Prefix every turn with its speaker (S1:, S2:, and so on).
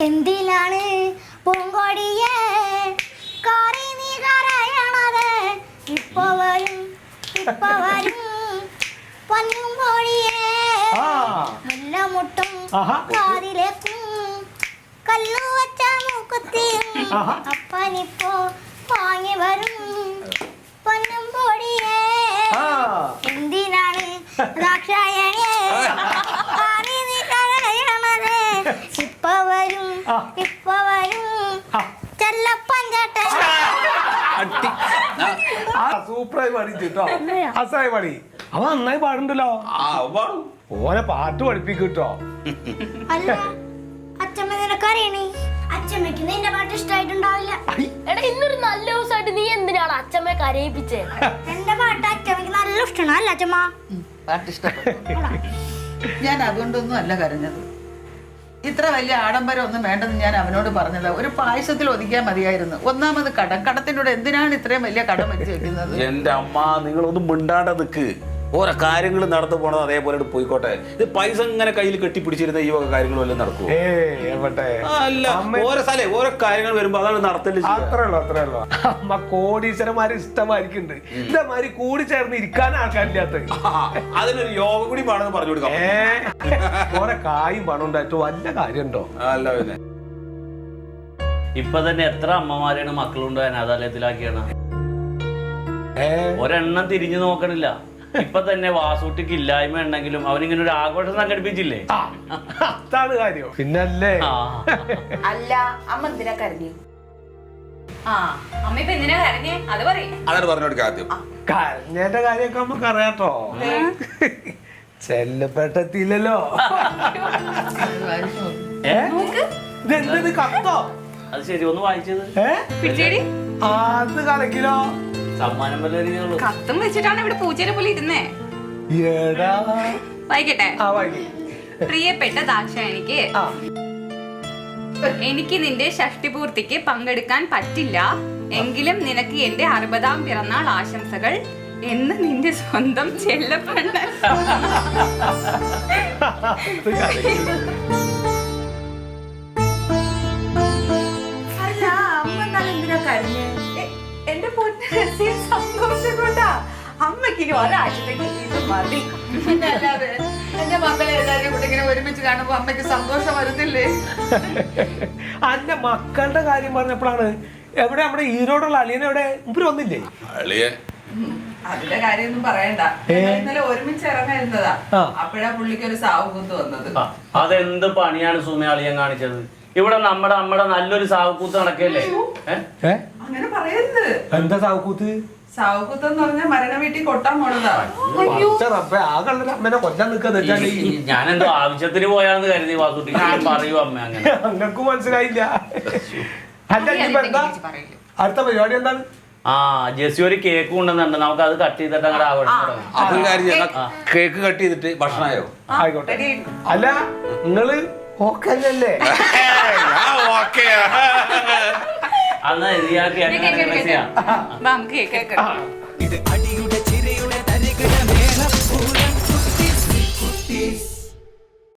S1: എന്തിലാണ് പൂങ്കോടിയെ കാറി നീ കരയണത്? ഇപ്പൊ വരും പൊന്നും കോടിയെ മുല്ലമുട്ടും കാതിലേക്കും കല്ലു വച്ച മൂക്കുത്തിയും അപ്പനിപ്പോ വാങ്ങി വരും പൊന്നും കോടിയെ. എന്തിനാണ് ദാക്ഷായണിയെ കാറി നീ കരയണത്? ഇപ്പൊ വരും ചെല്ലപ്പൻ ചേട്ടൻ.
S2: സൂപ്പറായി പാടിട്ടോ, അസായി പാടി. അവൻ നന്നായി പാടുണ്ടല്ലോ. ഓനെ പാട്ട് പഠിപ്പിക്കട്ടോ.
S1: അല്ല അച്ഛമ്മ നിനക്കറിയണേ, അച്ഛമ്മക്ക് നിന്റെ പാട്ട് ഇഷ്ടമായിട്ടുണ്ടാവില്ല.
S3: എടാ ഇന്നൊരു നല്ല ദിവസമായിട്ട് നീ എന്തിനാണ് അച്ഛമ്മയെ കരയിപ്പിച്ചേ?
S1: എന്റെ പാട്ട് അച്ഛമ്മക്ക് നല്ല ഇഷ്ടമാണ്. അല്ല അച്ഛമ്മ
S4: പാട്ട് ഇഷ്ടപ്പെട്ടു. ഞാൻ അതുകൊണ്ടൊന്നും അല്ല കരഞ്ഞത്. ഇത്ര വലിയ ആഡംബരം ഒന്നും വേണ്ടെന്ന് ഞാൻ അവനോട് പറഞ്ഞത്. ഒരു പായസത്തിൽ ഒതുക്കിയാൽ മതിയായിരുന്നു. ഒന്നാമത് കടത്തിനോട് എന്തിനാണ് ഇത്രയും വലിയ കടം വെച്ച് വെക്കുന്നത്?
S5: എന്റെ അമ്മ, നിങ്ങളൊന്നും മിണ്ടാണ്ട് നിൽക്ക്. ഓരോ കാര്യങ്ങൾ നടന്നു പോണത് അതേപോലെ പോയിക്കോട്ടെ. ഇത് പൈസ ഇങ്ങനെ കയ്യിൽ കെട്ടിപ്പിടിച്ചിരുന്ന ഈ വക കാര്യങ്ങളും എല്ലാം നടക്കും. അല്ല, ഓരോ സ്ഥലേ ഓരോ കാര്യങ്ങൾ വരുമ്പോ അതാണ് നടത്തല്.
S2: അത്രേ ഉള്ളൂ. അമ്മ കോടീശ്വരന്മാര് ഇഷ്ടമായിരിക്കുന്നുണ്ട്. ഇതേമാതിരി കൂടി ചേർന്ന് ഇരിക്കാൻ ആൾക്കാരില്ലാത്ത
S5: അതിനൊരു യോഗം കൂടി വേണമെന്ന് പറഞ്ഞു കൊടുക്കാം.
S2: ഓരോ കായും പണം ഉണ്ടായിട്ട് വല്ല കാര്യമുണ്ടോ?
S5: അല്ല പിന്നെ
S6: ഇപ്പൊ തന്നെ എത്ര അമ്മമാരാണ് മക്കളുണ്ടോ അനാഥാലയത്തിലാക്കിയാണ്. ഒരെണ്ണം തിരിഞ്ഞു നോക്കണില്ല. ഇപ്പൊ തന്നെ വാസൂട്ടിക്ക് ഇല്ലായ്മ ഉണ്ടെങ്കിലും അവനിങ്ങനെ ഒരു ആഘോഷം സംഘടിപ്പിച്ചില്ലേ?
S2: അതാണ് കാര്യം. പിന്നല്ലേ
S4: അല്ല, അമ്മ എന്തിനാ കരഞ്ഞു?
S7: അമ്മ ഇപ്പൊ എന്തിനാ കരഞ്ഞേ? അത് പറയും.
S5: അതാണ് പറഞ്ഞു കൊടുക്കുക ആദ്യം.
S2: കരഞ്ഞേന്റെ കാര്യമൊക്കെ നമുക്ക് അറിയാട്ടോ. ചെല്ലപ്പെട്ടത്തില്ലല്ലോ. ഇതെന്തത് കത്തോ?
S6: അത് ശരി, ഒന്ന് വായിച്ചത്.
S2: അത് കലക്കിലോ
S6: സമ്മാനം വല്ല
S7: കത്തും വെച്ചിട്ടാണ് ഇവിടെ പൂച്ചേനെ പോലെ ഇരുന്നേ. വായിക്കട്ടെ. പ്രിയപ്പെട്ട ദാക്ഷായണിക്ക്, എനിക്ക് നിന്റെ ഷഷ്ടിപൂർത്തിക്ക് പങ്കെടുക്കാൻ പറ്റില്ല. എങ്കിലും നിനക്ക് എന്റെ 60ാം പിറന്നാൾ ആശംസകൾ എന്ന് നിന്റെ സ്വന്തം ചെല്ലപ്പെണ്ണ.
S4: അല്ല, അമ്മ എന്നാലും എന്തിനാ കരഞ്ഞേ?
S7: എന്റെ പൊന്നു സന്തോഷം കൊണ്ടാ. അമ്മക്ക് ഇനി ഒരാഴ്ചത്തേക്ക് ഇത് മതി.
S4: അല്ലാതെ എന്റെ മക്കളെ എല്ലാവരും കൂടെ ഇങ്ങനെ ഒരുമിച്ച് കാണുമ്പോ അമ്മയ്ക്ക് സന്തോഷം വരുന്നില്ലേ?
S2: അന്റെ മക്കളുടെ കാര്യം പറഞ്ഞപ്പോഴാണ് എവിടെ നമ്മുടെ ഈരോടുള്ള അളിയനെ എവിടെ ഇവര് വന്നില്ലേ?
S4: അതിന്റെ കാര്യമൊന്നും പറയണ്ട. ഇന്നലെ ഒരുമിച്ച് ഇറങ്ങായിരുന്നതാ. അപ്പോഴാ പുള്ളിക്ക് ഒരു സാവുകൂത്ത് വന്നത്.
S6: അതെന്ത് പണിയാണ് സുമ അളിയൻ കാണിച്ചത്? ഇവിടെ നമ്മുടെ നല്ലൊരു സാവുകൂത്ത് നടക്കല്ലേ?
S4: അങ്ങനെ പറയരുത്.
S2: എന്താ സാവുകൂത്ത്?
S4: സാവുകൂത്ത് എന്ന് പറഞ്ഞാൽ മരണ വീട്ടിൽ കൊട്ടാൻ പോണതാ.
S2: അമ്മനെ കൊല്ലാൻ നിൽക്കാന്ന്
S6: ഞാൻ എന്തോ ആവശ്യത്തിന് പോയാന്ന് കരുതി വാസുട്ടി. ഞാൻ പറയൂ അമ്മ, അങ്ങനെ
S2: അങ്ങക്കും മനസ്സിലായില്ല. അല്ല ഇനിയിപ്പോ എന്താ അടുത്ത പരിപാടി എന്താണ്?
S6: ജെസ്സി ഒരു കേക്ക് കൊണ്ടുവന്നുണ്ട്. നമുക്ക് അത് കട്ട് ചെയ്തിട്ട് അങ്ങോട്ട് ആഘോഷം.
S5: കേക്ക് കട്ട് ചെയ്തിട്ട് ഭക്ഷണമായോ?
S2: ആയിക്കോട്ടെ. അല്ല നിങ്ങള് ഓക്കെ അല്ലേ?
S6: അന്ന്
S7: നമുക്ക് കേൾക്കാം.
S8: ഇത് അടിയുടെ ചിരിയുടെ തരികിട മേളപ്പൂരം കുട്ടീസ്